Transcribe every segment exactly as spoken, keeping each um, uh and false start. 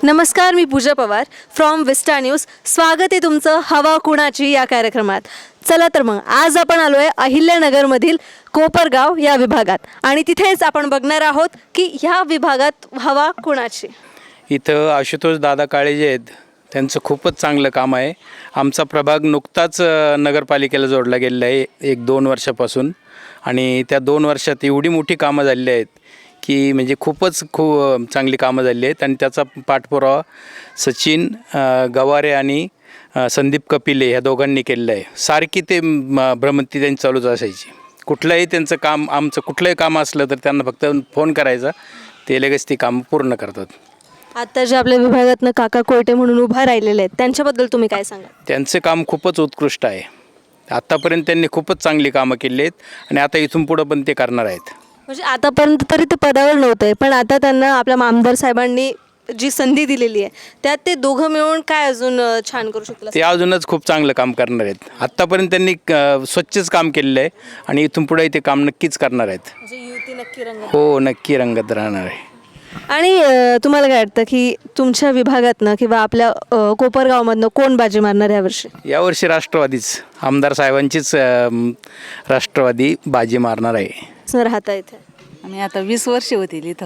नमस्कार, मी Pooja Pawar from Vista News. स्वागत आहे तुमचं हवा कुणाची या कार्यक्रमात. चला तर मग आज आपण आलो आहे अहिल्यानगरमधील कोपरगाव या विभागात आणि तिथेच आपण बघणार आहोत की ह्या विभागात हवा कुणाची. इथं आशुतोष दादा काळे जे आहेत त्यांचं खूपच चांगलं काम आहे. आमचा प्रभाग नुकताच नगरपालिकेला जोडला गेलेला आहे एक दोन वर्षापासून आणि त्या दोन वर्षात एवढी मोठी कामं झालेली आहेत की म्हणजे खूपच खूप चांगली कामं झाली आहेत आणि त्याचा पाठपुरावा सचिन गवारे आणि संदीप कपिले ह्या दोघांनी केलेलं आहे. सारखी ते भ्रमंती त्यांची चालूच असायची. कुठलंही त्यांचं काम आमचं कुठलंही काम असलं तर त्यांना फक्त फोन करायचा, ते लगेच ती कामं पूर्ण करतात. आता जे आपल्या विभागातनं काका कोयटे म्हणून उभा राहिलेले आहेत त्यांच्याबद्दल तुम्ही काय सांगा? त्यांचे काम खूपच उत्कृष्ट आहे. आत्तापर्यंत त्यांनी खूपच चांगली कामं केली आहेत आणि आता इथून पुढं पण ते करणार आहेत. म्हणजे आतापर्यंत तरी ते पदावर नव्हते, पण आता त्यांना आपल्या आमदार साहेबांनी जी संधी दिलेली आहे त्यात ते दोघं मिळून काय अजून छान करू शकतात? ते अजूनच खूप चांगलं काम करणार आहेत. आत्तापर्यंत त्यांनी स्वच्छच काम केलेलं आहे आणि इथून पुढे ते काम नक्कीच करणार आहेत. म्हणजे युती नक्की रंगत. हो, नक्की रंगत राहणार आहे. आणि तुम्हाला काय वाटतं की तुमच्या विभागातनं किंवा आपल्या कोपरगावमधनं कोण बाजी मारणार यावर्षी? यावर्षी राष्ट्रवादीच, आमदार साहेबांचीच राष्ट्रवादी बाजी मारणार आहे. राहता इथे आणि आता वीस वर्ष होतील इथं.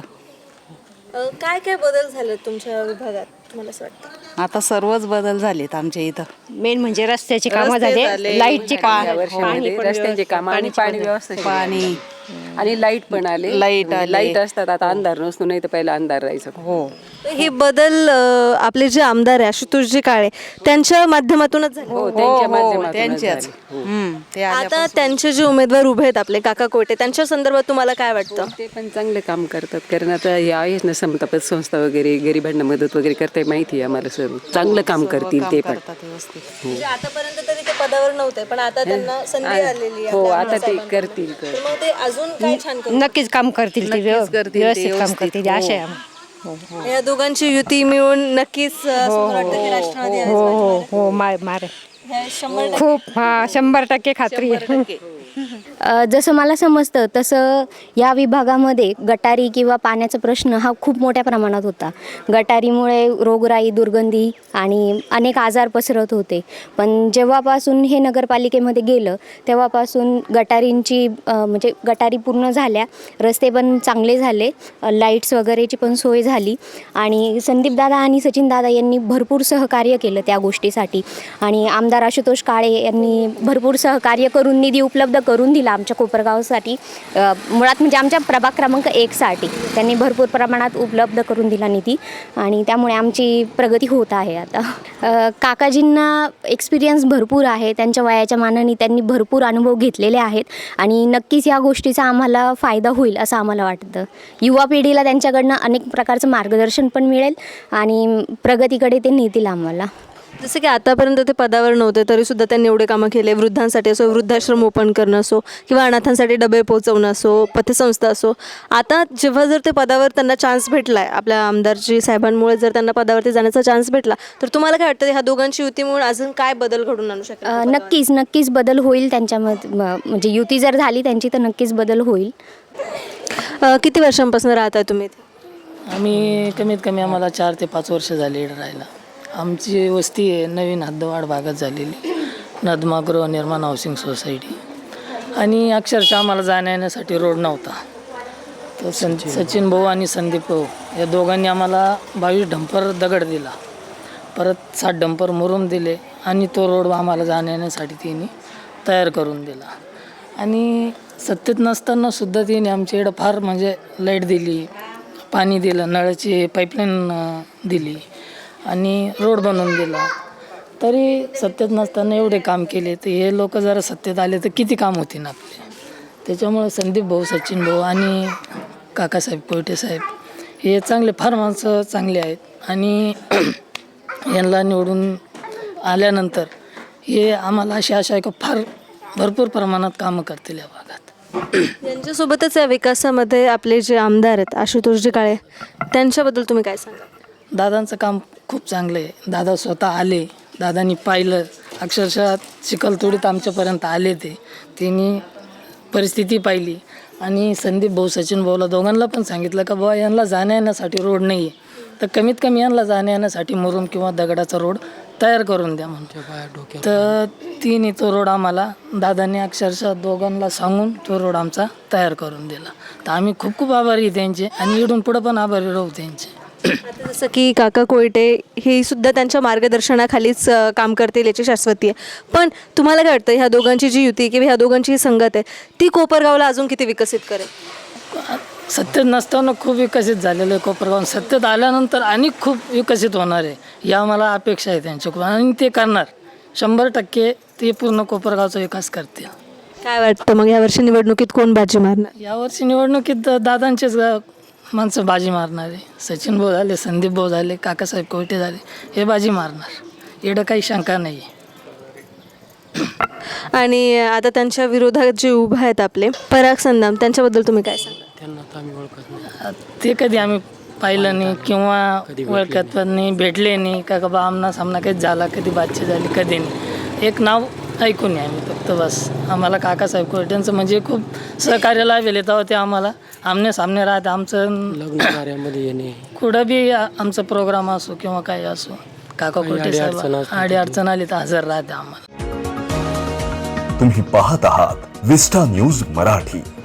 काय काय बदल झाले तुमच्या विभागात तुम्हाला असं वाटतं? आता सर्वच बदल झालेत आमच्या इथं. मेन म्हणजे रस्त्याची कामं झाले, लाईटची कामं, रस्त्यांची कामं आणि पाणी व्यवस्था, पाणी आणि लाईट पण आले. लाईट आले. लाईट असतात, आता अंधार नसतो, नाही तर पहिला अंधार राहायचं. हो, हे बदल अ, आपले जे आमदार आहे आशुतोषजी काळे त्यांच्या माध्यमातूनच झाले. हो, त्यांच्या हो, माध्यमातूनच त्यांच्याच. झाले. हो. हम्म, ते आता आल्यापासून. त्यांचे जे उमेदवार उभे आहेत आपले काका कोयटे त्यांच्या संदर्भात तुम्हाला काय वाटतं? ते पण चांगले काम करतात, कारण आता हे आहेच ना समतापत संस्था वगैरे, गरिबांना मदत वगैरे करताय, माहिती आहे आम्हाला. सर्व चांगलं काम करतील ते पण. करतात व्यवस्थित. म्हणजे आतापर्यंत तरी ते पदावर नव्हते, पण आता त्यांना संधी आलेली आहे हो, आपल्या आता ते आमदारसाहेबांकडून. करतील. तर मग ते अजून काय छान करतील? नक्कीच काम करतील ते, व्यव- करतील ते, व्यवस्थित काम व्यवस्थित. करतील अशा आहे. या दोघांची युती मिळून नक्कीच अ, असं मला वाटतं की राष्ट्रवादी आहेच हो बाजी हो मारेल. हो मार मार हे शंभर टक्के. खूप हा शंभर टक्के खात्री आहे. अ, जसं मला समजतं तसं या विभागामध्ये गटारी किंवा पाण्याचा प्रश्न हा खूप मोठ्या प्रमाणात होता. गटारीमुळे रोगराई, दुर्गंधी आणि अनेक आजार पसरत होते. पण जेव्हापासून हे नगरपालिकेमध्ये गेलं तेव्हापासून गटारींची अ, म्हणजे गटारी पूर्ण झाल्या, रस्ते पण चांगले झाले, लाईट्स वगैरेची पण सोय झाली आणि संदीपदादा आणि सचिनदादा यांनी भरपूर सहकार्य केलं त्या गोष्टीसाठी आणि आमदार आशुतोष काळे यांनी भरपूर सहकार्य करून निधी उपलब्ध करून दिला आमच्या कोपरगावसाठी. मुळात म्हणजे आमच्या प्रभाग क्रमांक एकसाठी त्यांनी भरपूर प्रमाणात उपलब्ध करून दिला निधी आणि त्यामुळे आमची प्रगती होत आहे. आता अ, काकाजींना एक्सपिरियन्स भरपूर आहे, त्यांच्या वयाच्या मानाने त्यांनी भरपूर अनुभव घेतलेले आहेत आणि नक्कीच या गोष्टीचा आम्हाला फायदा होईल असं आम्हाला वाटतं. युवा पिढीला त्यांच्याकडनं अनेक प्रकारचं मार्गदर्शन पण मिळेल आणि प्रगतीकडे ते नेतील आम्हाला. जसं की आतापर्यंत ते पदावर नव्हते तरी सुद्धा त्यांनी एवढे कामं केले. वृद्धांसाठी असो, वृद्धाश्रम ओपन करणं असो किंवा अनाथांसाठी डबे पोहोचवणं असो, पथसंस्था असो. आता जेव्हा जर ते पदावर त्यांना चान्स भेटला आहे, आपल्या आमदारजी साहेबांमुळे जर त्यांना पदावरती जाण्याचा चान्स भेटला, तर तुम्हाला काय वाटतं ह्या दोघांची युती म्हणून अजून काय बदल घडून आणू शकेल? अ, नक्कीच नक्कीच बदल होईल त्यांच्यामध्ये. म- म्हणजे युती जर झाली त्यांची तर नक्कीच बदल होईल. अ, किती वर्षांपासून राहताय तुम्ही इथे? आम्ही कमीत कमी आम्हाला चार ते पाच वर्ष झाली इकडे राहायला. आमची वस्ती आहे नवीन हद्दवाढ भागात झालेली, नदमा गृहनिर्माण हाऊसिंग सोसायटी, आणि अक्षरशः आम्हाला जाण्या येण्यासाठी रोड नव्हता. तर सं सचिन भाऊ आणि संदीप भाऊ या दोघांनी आम्हाला बावीस डंपर दगड दिला, परत सात डंपर मुरुम दिले आणि तो रोड आम्हाला जाण्या येण्यासाठी तिने तयार करून दिला. आणि सत्तेत नसताना सुद्धा तिने आमच्या इकडं फार म्हणजे लाईट दिली, पाणी दिलं, नळाची पाईपलाईन दिली आणि रोड बनवून दिला. तरी सत्तेत नसताना एवढे काम केले, तर हे लोक जरा सत्तेत आले तर किती काम होते ना आपले. त्याच्यामुळे संदीप भाऊ, सचिन भाऊ आणि काकासाहेब कोयटे साहेब हे चांगले, फार माणसं चांगले आहेत आणि यांना निवडून आल्यानंतर हे आम्हाला अशी आशा आहे की फार भरपूर प्रमाणात कामं करतील या भागात. यांच्यासोबतच या विकासामध्ये आपले जे आमदार आहेत आशुतोषजी काळे त्यांच्याबद्दल तुम्ही काय सांगा? दादांचं काम खूप चांगलं आहे. दादा स्वतः आले, दादांनी पाहिलं, अक्षरशः चिखलतोडीत आमच्यापर्यंत आले, ते त्यांनी परिस्थिती पाहिली आणि संदीप भाऊ, सचिन भाऊला दोघांना पण सांगितलं का बाबा यांना जाण्या येण्यासाठी रोड नाही आहे, तर कमीत कमी यांना जाण्या येण्यासाठी मुरुम किंवा दगडाचा रोड तयार करून द्या म्हणतो. तर तिने तो रोड आम्हाला दादांनी अक्षरशः दोघांना सांगून तो रोड आमचा तयार करून दिला. तर आम्ही खूप खूप आभारी आहे त्यांचे आणि इकडून पुढं पण आभारी राहू त्यांचे. आता जसं की काका कोयटे हे सुद्धा त्यांच्या मार्गदर्शनाखालीच अ, काम करतील याची शाश्वती आहे. पण तुम्हाला काय वाटतं ह्या दोघांची जी युती किंवा ह्या दोघांची जी संगत आहे ती कोपरगावला अजून किती विकसित करेल? सत्तेत नसताना खूप विकसित झालेलं आहे कोपरगाव. सत्तेत आल्यानंतर आणि खूप विकसित होणार आहे या मला अपेक्षा आहे त्यांच्याकडून आणि ते करणार शंभर टक्के. ते पूर्ण कोपरगावचा विकास करतील. काय वाटतं मग यावर्षी निवडणुकीत कोण बाजी मारणार? यावर्षी निवडणुकीत दादांचेच गा- माणसं बाजी मारणार आहे. सचिन भाऊ झाले, संदीप भाऊ झाले, काकासाहेब कोयटे झाले, हे बाजी मारणार. एवढं काही शंका नाही आहे. आणि आता त्यांच्या विरोधात जे उभे आहेत आपले पराग संदाम त्यांच्याबद्दल तुम्ही काय सांगा? ते कधी आम्ही पाहिलं नाही किंवा ओळखत पण नाही, भेटले नाही का बाबा आमना सामना कधी झाला, कधी बातचीत झाली, कधी नाही. एक नाव ऐकून आहे आम्ही फक्त बस. आम्हाला काकासाहेब कोयट्यांचं म्हणजे खूप सहकार्य लाभेल तेव्हा ते आम्हाला आमने सामने राहते. आमचं लग्न कार्यामध्ये येणे कुठं बी आमचा प्रोग्राम असो किंवा काही असो काका कोयटे साहेब आडी अडचण आली तर हजर राहते आम्हाला. तुम्ही पाहत आहात विस्टा न्यूज मराठी.